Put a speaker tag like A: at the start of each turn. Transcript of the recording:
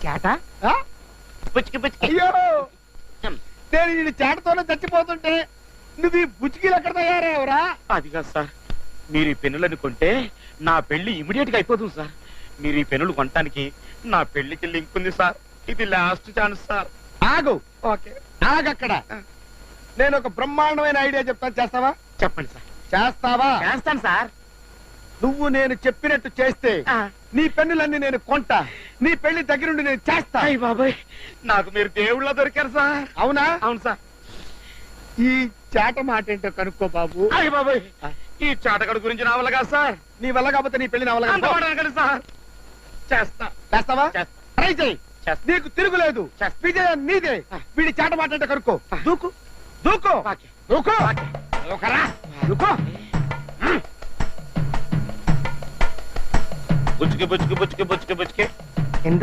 A: చేట
B: ఆ?
A: పుచ్చుకి పుచ్చుకి
B: అయ్యో నేను ఈ చేటతోనే చచ్చిపోతుంటే నువ్వు ఈ బుచ్చికీలు ఎక్కడ తయారయ్యావురా?
A: అది కాదు సార్, మీరు ఈ పెన్నులను కొంటే నా పెళ్లి ఇమిడియట్ గా అయిపోతుంది సార్. మీరు ఈ పెన్నులు కొనటానికి నా పెళ్లికి లింక్ ఉంది సార్. ఇది లాస్ట్ ఛాన్స్ సార్.
B: ఆగు,
A: ఓకే
B: ఆగక్కడ. నేను ఒక బ్రహ్మాండమైన ఐడియా చెప్తాను, చేస్తావా?
A: చెప్పండి సార్.
B: చేస్తావా?
A: చేస్తాను సార్.
B: నువ్వు నేను చెప్పినట్టు చేస్తే నీ పెన్నులన్నీ నేను కొంటా, నీ పెళ్లి దగ్గరుండి నేను చేస్తా.
A: అయ్య బాబాయ్, నాకు మీరు దేవుళ్ళ దొరికారు సార్.
B: అవునా?
A: అవును సార్.
B: ఈ చేట మాట ఏంటో కనుక్కో బాబు.
A: అయ్య బాబాయ్, ఈ చాటగడు గురించి నా వల్ల కాదు సార్.
B: నీ వల్ల కాకపోతే నీ పెళ్లి నా వల్ల
A: అంత
B: కాదు.
A: మాట అనకండి సార్. చేస్తా.
B: చేస్తావా?
A: చేస్తా.
B: ట్రై చేయి,
A: చేస్తా.
B: నీకు తిరుగులేదు.
A: చేస్తా.
B: విజయం నీదే. వీడి చేట మాట ఏంటో కనుక్కో. దూకు దూకు
A: ఓకే.
B: దూకు
A: ఓకే.
B: దూకరా, దూకు.
A: బుచ్చుకి బుచ్చుకి బుచ్చుకి బుచ్చుకి బుచ్చుకి